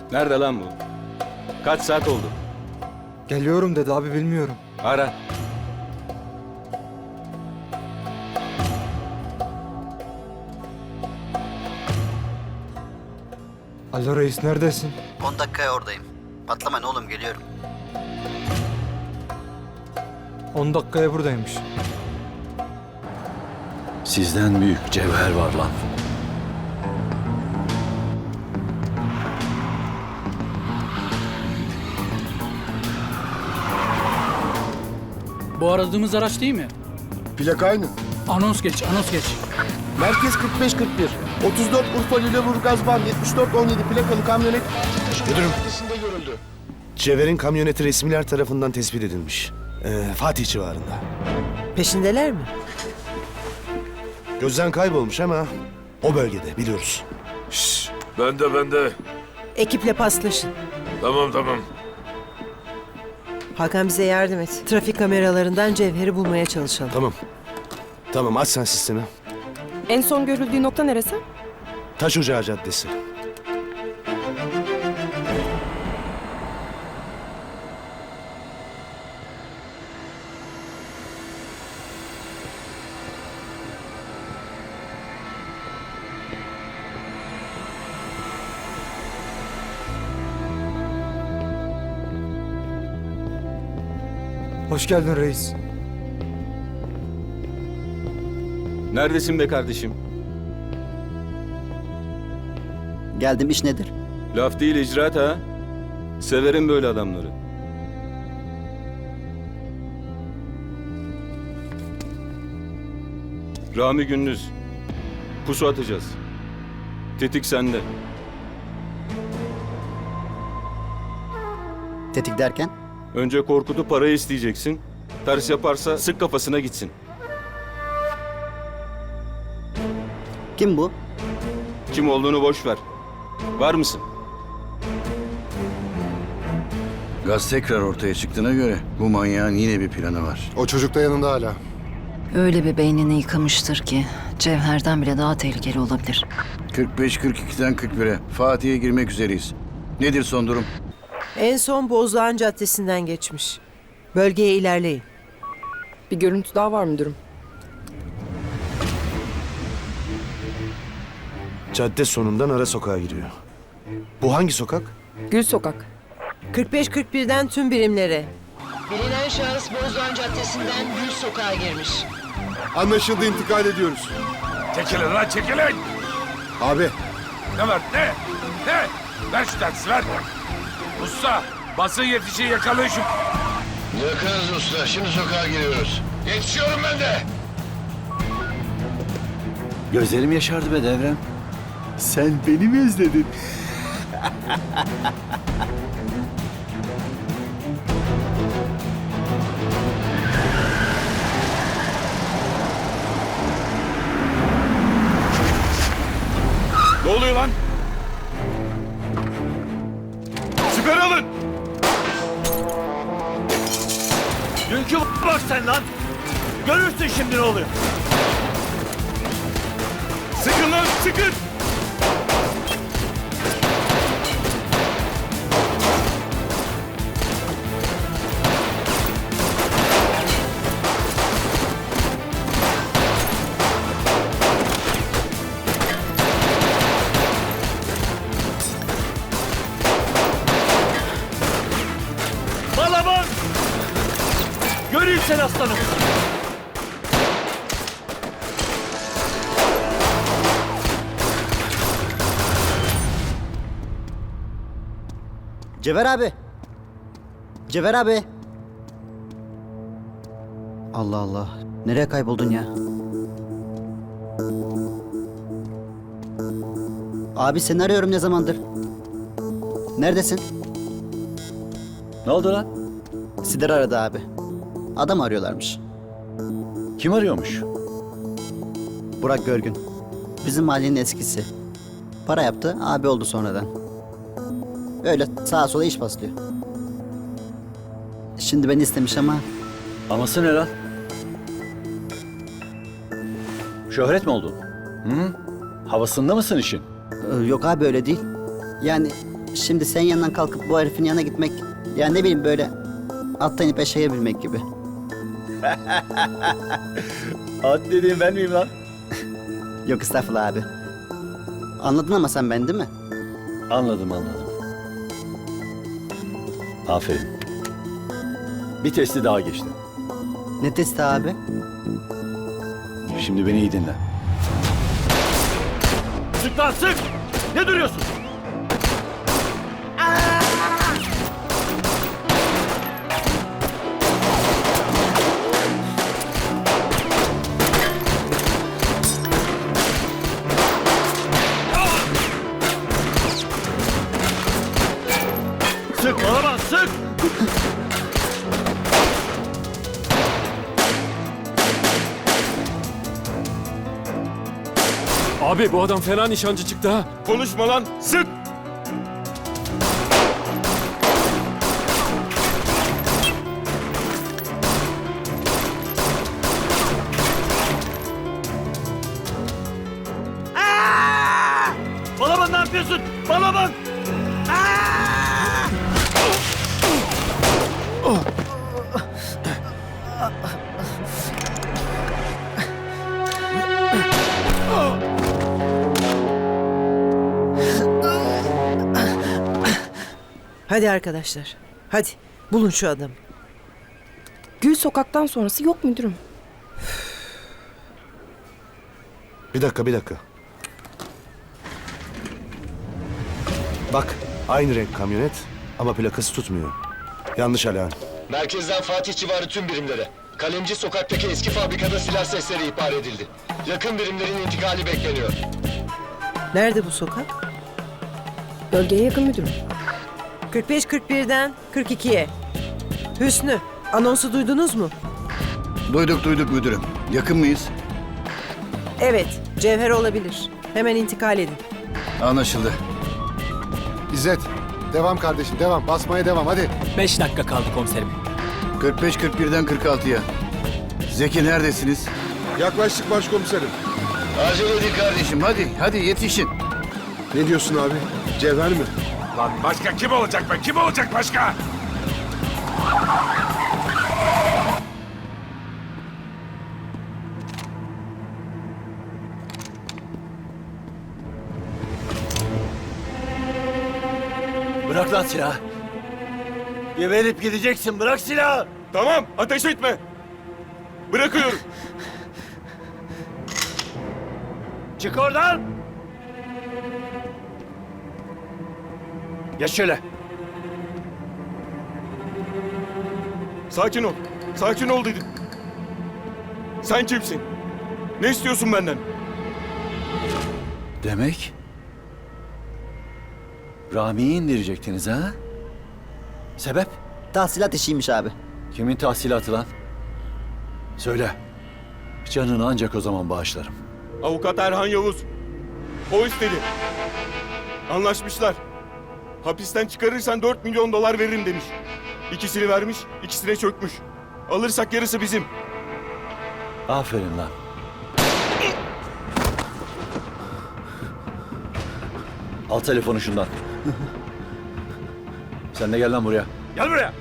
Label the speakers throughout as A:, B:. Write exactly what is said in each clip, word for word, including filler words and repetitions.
A: Nerede lan bu? Kaç saat oldu?
B: Geliyorum dedi abi, bilmiyorum.
A: Ara.
B: Alo reis, neredesin?
C: on dakikaya oradayım. Patlamayın oğlum, geliyorum.
B: on dakikaya buradaymış.
D: Sizden büyük cevher var lan.
E: Bu aradığımız araç değil mi?
F: Plak aynı.
E: Anons geç, anons geç.
F: Merkez kırk beş kırk bir. otuz dört Urfa Lüleburgaz Van yetmiş dört on yedi plakalı kamyonet
G: Müdürüm,
F: adresinde görüldü.
G: Cevher'in kamyoneti resmiler tarafından tespit edilmiş. Ee, Fatih civarında.
H: Peşindeler mi?
G: Gözden kaybolmuş ama o bölgede, biliyoruz.
I: Ben de ben de.
H: Ekiple paslaşın.
I: Tamam tamam.
H: Hakan bize yardım et. Trafik kameralarından Cevher'i bulmaya çalışalım.
G: Tamam. Tamam, aç sen sistemi.
J: En son görüldüğü nokta neresi?
G: Taş Ocağı Caddesi.
B: Hoş geldin reis.
A: Neredesin be kardeşim?
C: Geldim, iş nedir?
A: Laf değil icraat ha. Severim böyle adamları. Rami Gündüz. Pusu atacağız. Tetik sende.
C: Tetik derken?
A: Önce Korkut'u parayı isteyeceksin. Ters yaparsa sık kafasına gitsin.
C: Kim bu?
A: Kim olduğunu boş ver. Var mısın?
D: Gaz tekrar ortaya çıktığına göre bu manyağın yine bir planı var.
F: O çocuk da yanında hala.
K: Öyle bir beynini yıkamıştır ki Cevher'den bile daha tehlikeli olabilir.
D: kırk beş kırk ikiden kırk bire Fatih'e girmek üzereyiz. Nedir son durum?
H: En son Bozdoğan Caddesi'nden geçmiş. Bölgeye ilerleyin.
J: Bir görüntü daha var müdürüm.
G: Cadde sonundan ara sokağa giriyor. Bu hangi sokak?
J: Gül Sokak.
H: kırk beş kırk birden tüm birimlere. Bilinen şahıs Bozdoğan Caddesi'nden Gül Sokak'a girmiş.
F: Anlaşıldı, intikal ediyoruz.
I: Çekilin lan çekilin.
F: Abi,
I: Ne var ne? Ne? Ver şu taksi ver. Usta basın yetişi yakalayın şu.
D: Yakarız usta. Şimdi sokağa giriyoruz.
I: Yetişiyorum ben de.
D: Gözlerim yaşardı be Devrem. Sen beni mi özledin?
A: Ne oluyor lan? Siper alın!
E: Dünkü bak sen lan. Görürsün şimdi ne oluyor.
A: Sıkın lan sıkın!
E: Balaban! Göreyim sen aslanım.
C: Cevher abi. Cevher abi. Allah Allah. Nereye kayboldun ya? Abi seni arıyorum ne zamandır. Neredesin?
D: Ne oldu lan?
C: Sider aradı abi. Adam arıyorlarmış.
D: Kim arıyormuş?
C: Burak Görgün. Bizim mahallenin eskisi. Para yaptı, abi oldu sonradan. Öyle sağa sola iş paslıyor. Şimdi beni istemiş ama
D: Aması ne lan? Şöhret mi oldun? Hı? Havasında mısın işin?
C: e, yok abi öyle değil. Yani Şimdi sen yanından kalkıp bu herifin yanına gitmek... Yani ne bileyim böyle attan ipe şeye binmek gibi.
E: At dediğim ben miyim lan?
C: Yok estağfurullah abi. Anladın ama sen ben değil mi?
E: Anladım anladım. Aferin. Bir testi daha geçtin.
C: Ne testi abi?
E: Şimdi beni iyi dinle. Sık lan sık! Ne duruyorsun? Sık bana bak sık!
L: Abi bu adam fena nişancı çıktı ha.
A: Konuşma lan. Sık.
E: Balaban ne yapıyorsun? Balaban!
H: Hadi arkadaşlar. Hadi bulun şu adamı.
J: Gül Sokak'tan sonrası yok müdürüm.
G: Bir dakika, bir dakika. Bak, aynı renk kamyonet ama plakası tutmuyor. Yanlış alarm.
M: Merkezden Fatih civarı tüm birimlere. Kalemci sokaktaki eski fabrikada silah sesleri ihbar edildi. Yakın birimlerin intikali bekleniyor.
H: Nerede bu sokak?
J: Bölgeye yakın müdürüm.
H: kırk beş kırk birden kırk ikiye. Hüsnü, anonsu duydunuz mu?
D: Duyduk duyduk müdürüm. Yakın mıyız?
H: Evet, Cevher olabilir. Hemen intikal edin.
D: Anlaşıldı.
F: İzzet, devam kardeşim, devam. Basmaya devam, hadi.
L: Beş dakika kaldı komiserim.
D: kırk beş kırk birden kırk altıya. Zeki neredesiniz?
F: Yaklaştık başkomiserim.
D: Acele edin kardeşim hadi hadi yetişin.
F: Ne diyorsun abi? Cevher mi?
I: Lan başka kim olacak be? Kim olacak başka?
E: Bırak lan silahı. Geberip gideceksin. Bırak silahı.
A: Tamam. Ateş etme. Bırakıyorum.
E: Çık oradan. Geç şöyle.
A: Sakin ol. Sakin ol dedim. Sen kimsin? Ne istiyorsun benden?
E: Demek Rami'yi indirecektiniz ha? Sebep?
C: Tahsilat işiymiş abi.
E: Kimin tahsilatı lan? Söyle. Canını ancak o zaman bağışlarım.
A: Avukat Erhan Yavuz. O istedi. Anlaşmışlar. Hapisten çıkarırsan dört milyon dolar veririm demiş. İkisini vermiş, ikisine çökmüş. Alırsak yarısı bizim.
E: Aferin lan. Al telefonu şundan. Sen de gel lan buraya. Gel buraya.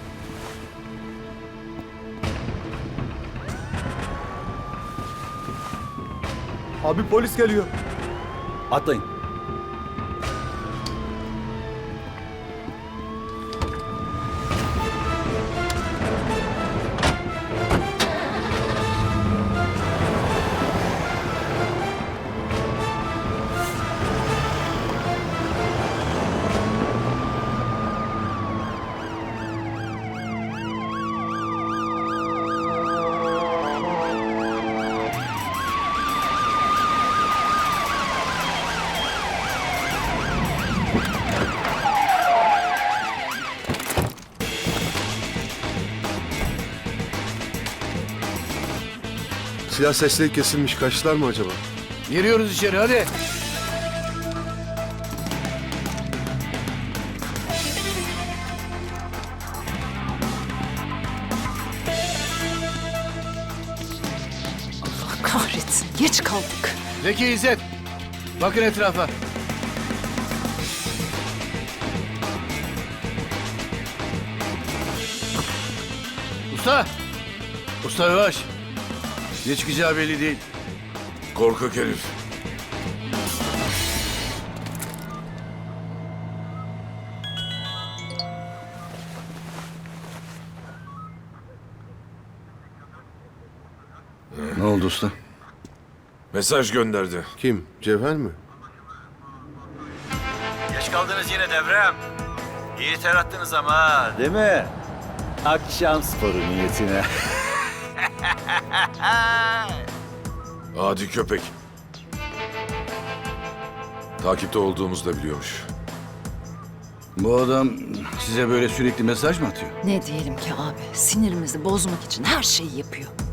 B: Abi polis geliyor.
E: Atlayın.
F: Silah sesleri kesilmiş. Kaçtılar mı acaba?
D: Giriyoruz içeri hadi.
K: Allah kahretsin. Geç kaldık.
D: Zeki İzzet. Bakın etrafa. Usta! Usta yavaş. Ne çıkacağı belli değil.
I: Korkak herif.
D: Ne oldu usta?
I: Mesaj gönderdi.
G: Kim? Cevher mi?
E: Geç kaldınız yine devrem. İyi ter attınız ama değil mi? Akşam sporu niyetine.
I: Adi köpek. Takipte olduğumuzu da biliyormuş.
D: Bu adam size böyle sürekli mesaj mı atıyor?
K: Ne diyelim ki abi? Sinirimizi bozmak için her şeyi yapıyor.